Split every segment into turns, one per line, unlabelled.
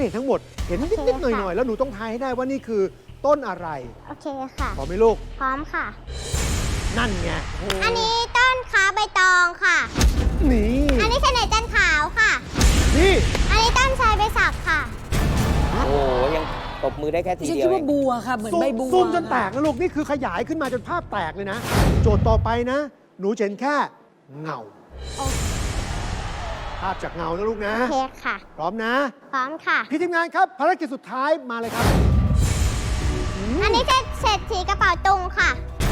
เห็นทั้งหมดเห็นนิดๆหน่อยๆแล้วหนูต้องทายให้ได้ว่านี่คือต้นอะไร
โอเคค่ะ
พร้อมไหมลูก
พร้อมค่ะ
นั่นไง
อันนี้ต้นขาใบตองค่ะ
นี่
อันนี้เสน่ห์จันทร์ขาวค่ะ
นี่
อันนี้ต้นชายใบสักค่ะ
โอ้โหยังตบมือได้แค่ที
ฉัน
เดี
คิ
ย
ด
วเอ
ว่าง บัวค่ะ เหมือนใบบัว
ซูมจนแตกนะลูกนี่คือขยายขึ้นมาจนภาพแตกเลยนะ โจทย์ต่อไปนะ หนูจะเห็นแค่เงา
โอ
ภาพจากเงานะลูกนะ
เคค่ะ
พร้อมนะ
พร้อมค่ะ
พี่ทีมงานครับภารกิจสุดท้ายมาเลยครับ
อันนี้จะเศรษฐีกระเป๋าตุงค่ะ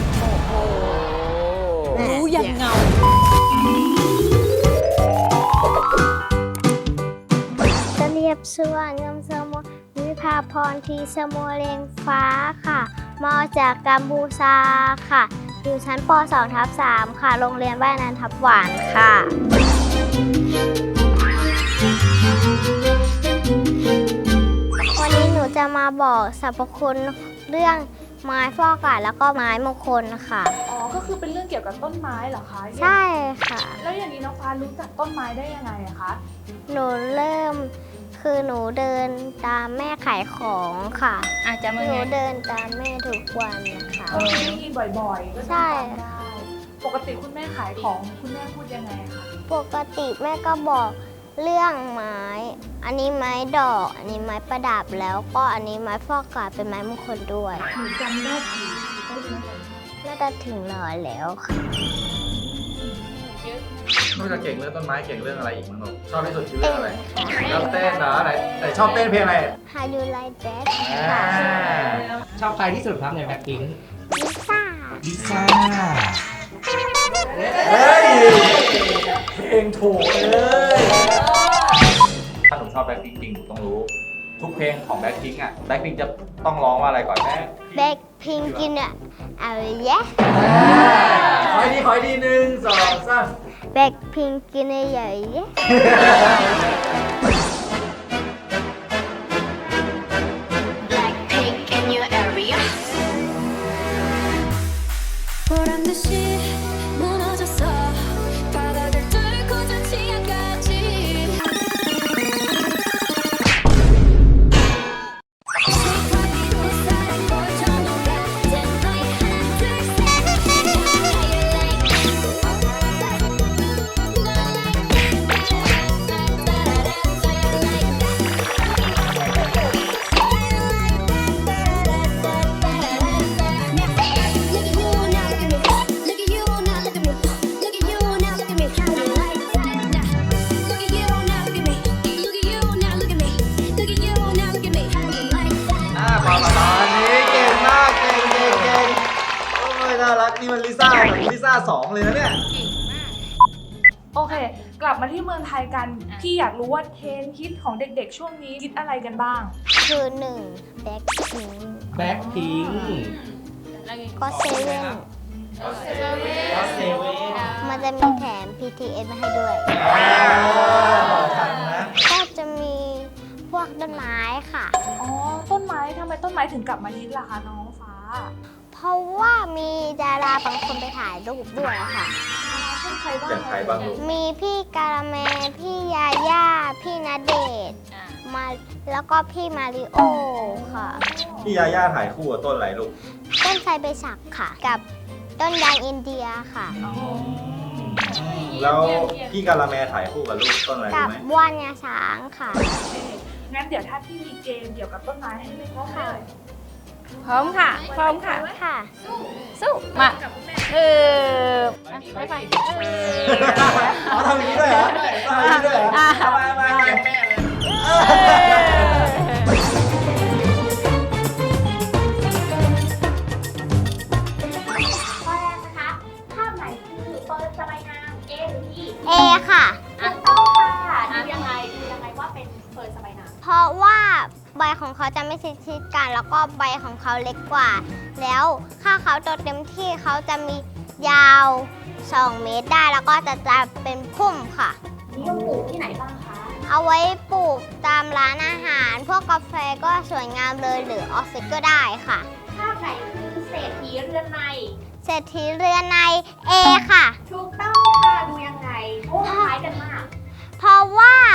รู้ยังเงา
จะเรียบสวนงามสมุวิภาพรทีสมุเรียงฟ้าค่ะมาจากกัมพูชาค่ะ อยู่ชั้นป .2/3 ค่ะ โรงเรียนบ้านนันทับหวานค่ะ วันนี้หนูจะมาบอกสรรพคุณเรื่องไม้ฟอกอากาศแล้วก็ไม้มงคลค่ะ
อ๋อ ก็คือเป็นเรื่องเกี่ยวกับต้นไม้เหรอคะ
ใช่ค่ะ
แล้วอย่างนี้น้องฟ้ารู้จักต้นไม้ได้ยังไงอะคะ
หนูเริ่มคือหนูเดินตามแม่ขายของค่ะ
อาจจะ
ห
มือ
นู
ไง
เดินตามแม่ทุกวันนะคะ
ก็คือได้ยินบ่อยๆ ก็
ใช่
จำได้ ปกติคุณแม่ขายของคุณแม่พูดยังไงคะ
ปกติแม่ก็บอกเรื่องไม้ อันนี้ไม้ดอก อันนี้ไม้ประดับแล้วก็อันนี้ไม้ฟอกอากาศเป็นไม้มงคลด้วย
หนูจำได้กี่ต้นนะคะ
น่าจะถึง100แล้วค่ะ
นอกจากเก่งเรื่องต้นไม้เก่งเรื่องอะไรอีกมั้งลูกชอบที่สุดคือเรื่
เต้
อง
น
อะไร
ค่ะ
ชอบเต้นเหรอไหนชอบเต้นเพลงอะไร
How you like that
อ่า
ค่ะ
ชอบใครที่สุดครับในแบ็คพิงค์
ลิซ่า
ลิซ่า
เฮ้ยเพลงถูกเลยถ้าหนูชอบแบ็คพิงค์จริงหนูต้องรู้ ทุกเพลงของแบ็คพิงค์อ่ะแบ็คพิงค์จะต้องร้องว่าอะไรก่อนแม่
แบ็คพิงกินอะเอาเยะ
ขอให้ดีหนึ่งสองสาม
แบ็คพิงกินอะเยอะเยะ
Blackpink in your area. 보란 듯이 무너졌어 바닥을 뚫고 저 치아까지
ประมาณนี้เก่งมากเก่งโอ้ยน่ารักนี่มันลิซ่าเหมือนลิซ่า2เลยนะเนี่ย
โอเค กลับมาที่เมืองไทยกัน พี่อยากรู้ว่าเทรนด์ฮิตของเด็กๆ ช่วงนี้คิดอะไรกันบ้าง
คือ1แบ็คพิง
แบ็คพิงค์
ก็เซเว่น
ก็เซเว่น
มันจะมีแถม PTS มาให้ด้วย
ทันนะ
ก็จะมีพวกต้นไม้ค่ะ
อ๋อ ต้นไม้ทำไมต้นไม้ถึงกลับมาฮิตล่ะคะน้องฟ้า
เพราะว่ามีดาราบางคนไปถ่ายรูปด้วยค่ะ
เช่นใครบ้าง
อย่างใครบ้างลูก
มีพี่การาแมพี่ยาย่า พี่ณเดชน์มาแล้วก็พี่มาริโอค่ะ
พี่ยาย่าถ่ายคู่กับต้นอะไรลูก
ต้นไทรใบสักค่ะ กับต้นยางอินเดียค่ะ
แล้วพี่กาละแมถ่ายคู่กับลูกต้นอะไร
กั
รู้
บ
ไหม
ว่านงาช้างค่ะ
งั้นเดี๋ยวถ้าพี่มีเกมเกี่ยวกับต้นไม้ให้เล่นก็ได้
พร้อมค่ะ พร้อมค่ะ
ค่ะ
สู้ มา
กับคุณแม่
ไปไป
อ๋อทำอย่างนี้ด้วยเหรอทำอย่างนี้ด้วยเหรอเอามา
ข้อแรกนะคะ ภาพไหนคือเฟิร์นสบายนาม A หรือ B
เอค่ะ
ถูกต้องค่ะดูยังไงว่าเป็นเฟิร์นสบายนาม
เพราะว่าใบของเขาจะไม่ชิดๆกันแล้วก็ใบของเขาเล็กกว่า แล้วถ้าเขาโตเต็มที่เขาจะมียาว2 เมตรได้แล้วก็จะเป็นพุ่มค่ะ
นิยมปลูกที่ไหนบ้างคะ
เอาไว้ปลูกตามร้านอาหาร พวกกาแฟก็สวยงามเลยหรือออฟฟิศก็ได้ค่ะ
ภาพไหนคือเศรษฐีเรือนใน
เศรษฐีเรือนใน A ค่ะ
ถูกต้องค่ะดูยังไงโอ้คล้ายกันมาก
เพราะว่าข้าเศรษ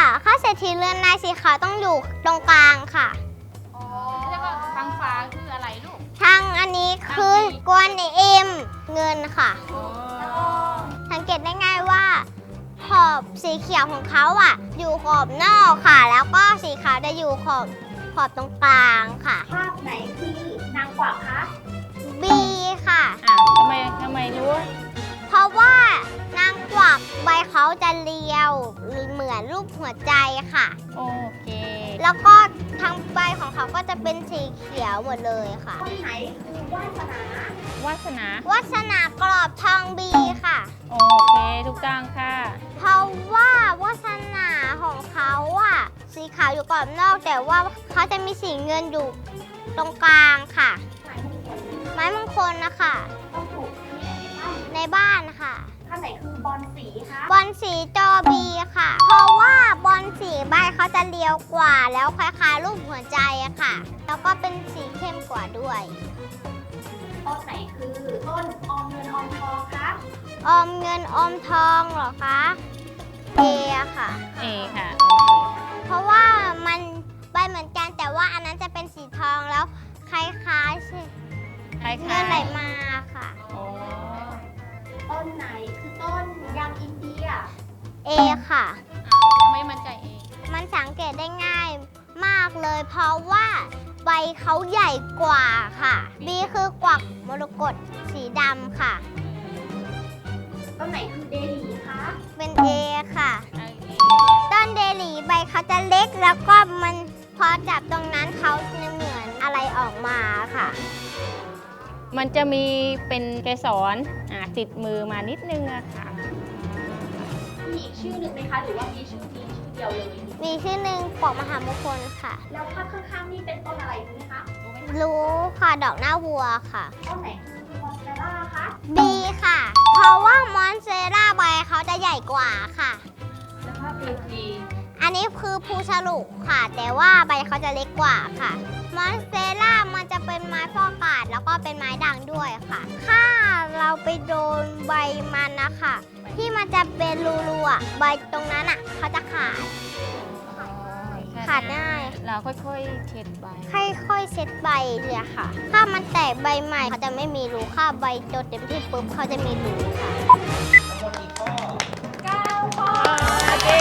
ษฐีเรือนนายสีขาวต้องอยู่ตรงกลางค่ะ
แล้วก็ทางฟ้าคืออะไรลูก
ทางอันนี้คือกวนเอ็มเงินค่ะ สังเกตได้ง่ายว่า ขอบสีเขียวของเขาอ่ะ อยู่ขอบนอกค่ะ แล้วก็สีขาวจะอยู่ขอบตรงกลางค่ะ
ภาพไหนคือนางกวักคะ
บีค่ะ
ทำไมรู้
เพราะว่านางกวักใบเขาจะเรียวเหมือนรูปหัวใจค่ะ
โอเค
แล้วก็ทั้งใบของเขาก็จะเป็นสีเขียวหมดเลยค่ะ
ต้นไหนคือวาสนา
วาสนา
วาสนากรอบทองบีค่ะ
โอเคถูกต้องค่ะ
เพราะว่าวาสนาของเขาอะสีขาวอยู่กรอบนอก แต่ว่าเขาจะมีสีเงินอยู่ตรงกลางค่ะ ไม้มงคลนะคะ
ต้องถูก
ในบ้านค่ะ
ภาพไหนคือบอลสีคะ
บอลสีจอบีค่ะ เพราะว่าบอลสีใบเขาจะเรียวกว่า แล้วคล้ายๆรูปหัวใจอะค่ะ แล้วก็เป็นสีเข้มกว่าด้วย
ต้นไหนคือต้นออมเงินออมทองคะ
ออมเงินออมทองเหรอคะเออะค่ะ
เอค่ะ
เพราะว่ามันใบเหมือนกันแต่ว่าอันนั้นจะเป็นสีทองแล้วคล้ายๆใช่
คล้าย
เงินไหลมาค่ะ
โอ้
ต้นไหนคือต้นยางอินเดีย
เอค่ะ
ทำไมมั่นใจเอง
มันสังเกตได้ง่ายมากเลย เพราะว่าใบเขาใหญ่กว่าค่ะ B คือกวักมรกตสีดำค่ะ
ต้นไหนคือเดลีคะ
เป็น A ค่ะ
โอเค
ต้นเดลีใบเขาจะเล็กแล้วก็มันพอจับตรงนั้นเขาจะเหมือนอะไรออกมาค่ะ
มันจะมีเป็นเกสรติดมือมานิดนึงอะค่ะ
มีอีกชื่อหนึ่งไหมคะ หรือว่ามีชื่อนี้ชื่อเดียวเลย
มีชื่อหนึ่งปอกมหามงคลค่ะ
แล้วภาพข้างๆนี่เป็นต้นอะไรรู้ไหมคะ
รู้ค่ะดอกหน้าวัวค่ะ
ต้นไหนคือมอนสเตล่าคะ
B ค่ะ เพราะว่ามอนเซราใบเขาจะใหญ่กว่าค่ะ
แล้วภาพคือดี
อันนี้คือภูฉลุค่ะ แต่ว่าใบเขาจะเล็กกว่าค่ะ มอนสเตล่ามันจะเป็นไม้ฟอกอากาศแล้วก็เป็นไม้ด่างด้วยค่ะ ถ้าเราไปโดนใบมันนะคะที่มันจะเป็นรูๆอ่ะใบตรงนั้นอ่ะเขาจะขาด ขาดง่าย
เราค่อยๆเช็ดใบ
ค่อยๆเซ็ตใบเลยค่ะ ถ้ามันแตกใบใหม่เขาจะไม่มีรูถ้าใบโดนเต็มที่ปุ๊บเขาจะมีรูค่ะ
ทั้งหมดกี่ข้อ
โอเค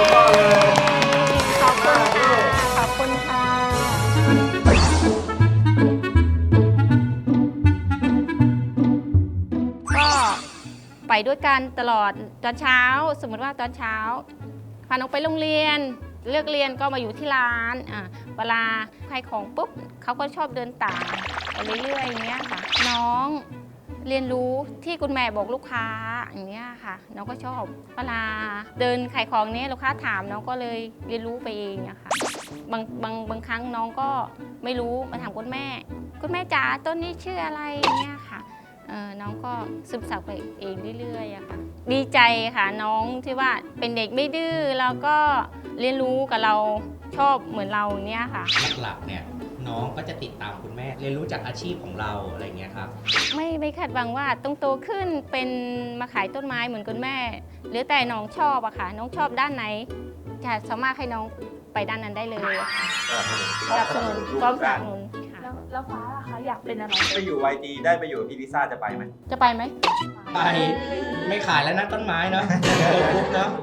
ขอบคุณค่ะ ขอบคุณค่ะ ก็ไปด้วยกันตลอดตอนเช้า สมมติว่าตอนเช้าพาน้องไปโรงเรียน เลิกเรียนก็มาอยู่ที่ร้านเวลาขายของปุ๊บเขาก็ชอบเดินตามไปเรื่อยๆอย่างเงี้ยค่ะ น้องเรียนรู้ที่คุณแม่บอกลูกค้าอย่างเงี้ยค่ะ น้องก็ชอบเวลาเดินขายของเนี้ยลูกค้าถามน้องก็เลยเรียนรู้ไปเองอะค่ะบางครั้งน้องก็ไม่รู้มาถามคุณแม่จ๋าต้นนี้ชื่ออะไรอย่างเงี้ยค่ะน้องก็ซึมซับไปเองเรื่อยๆอะค่ะ ดีใจค่ะน้องที่ว่าเป็นเด็กไม่ดื้อแล้วก็เรียนรู้กับเราชอบเหมือนเราเนี้ยค่ะ
หลักๆเนี่ยน้องก็จะติดตามคุณแม่ เรียนรู้จากอาชีพของเราอะไรอย่างเงี้ยครับ
ไม่คาดหวังว่าต้องโตขึ้นเป็นมาขายต้นไม้เหมือนคุณแม่ หรือแต่น้องชอบอะค่ะ น้องชอบด้านไหนจะสามารถให้น้องไปด้านนั้นได้เลยอะค่ะสนับสนุนพร้อมสนับสนุนค่ะ
แล้วฟ้าล่ะคะ อยากเป็นอะไร
ไปอยู่ YG ได้ไปอยู่กับพี่ลิซ่าจะไปไหม
จะไปไหม
ไปไม่ขายแล้วนะต้นไม้เนาะโตปุ๊บเนาะ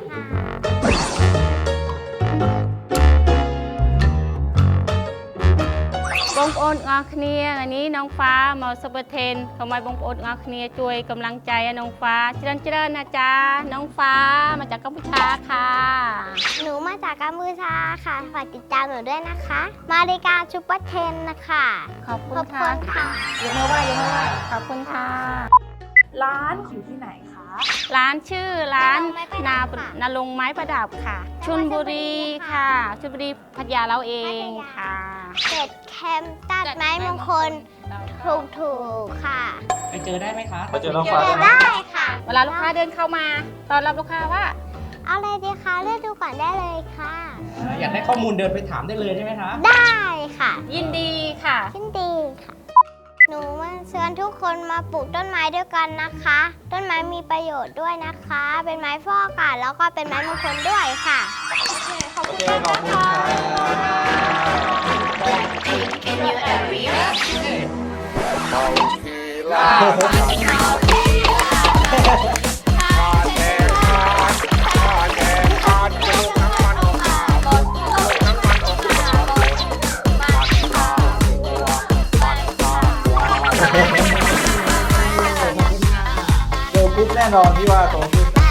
បងប្អូនទាំងអស់គ្នាថ្ងៃនេះน้องฟ้าមកសុបធេនសូមឲ្យបងប្អូនទាំងអស់គ្នាជួយកម្លាំងใจឲ្យน้องฟ้าច្រើនណាចាน้องฟ้ามาจากกัมพูชาค่ะ
หนูมาจากกัมพูชาค่ะฝากติดตามหนูด้วยนะคะ มารายการซุปเปอร์เทนนะคะ
ขอบคุ
ข
ณ
อบ
ค่ะ
คุณค่ะ
ยกมือไหว้ขอบคุณค่ะ
ร้านอยู่ที่ไหนคะ
ร้านชื่อร้าน
นาลงไม้ประดับค่ะ
นาลงไม้ประดับค่ะชลบุรีค่ะชลบุรีพัทยาเราเองค่ะ
เสร็จแคมตัดไม้มงคลถูกๆค่ะ
ไปเจอได้ไหมคะ
ไปเจอน้อง
เจ
ฟ้า
อ
ได้ไหม
ได้ค่ะ
เวลาลูกค้าเดินเข้ามาตอนรับลูกค้าว่า
เอาอะไรดีคะเลือกดูก่อนได้เลยค่ะ
อยากได้ข้อมูลเดินไปถามได้เลยใช่ไหมคะ
ได้ค่ะ
ยินดีค่ะ
ยินดีค่ะ หนูมาเชิญทุกคนมาปลูกต้นไม้ด้วยกันนะคะ ต้นไม้มีประโยชน์ด้วยนะคะ เป็นไม้ฟอกอากาศแล้วก็เป็นไม้มงคลด้วยค่ะ
ขอบคุณ
โอเค
มาก
ขอบคุณ
นะคะ
โตปุ๊บแน่นอนที่ว่าโตขึ้น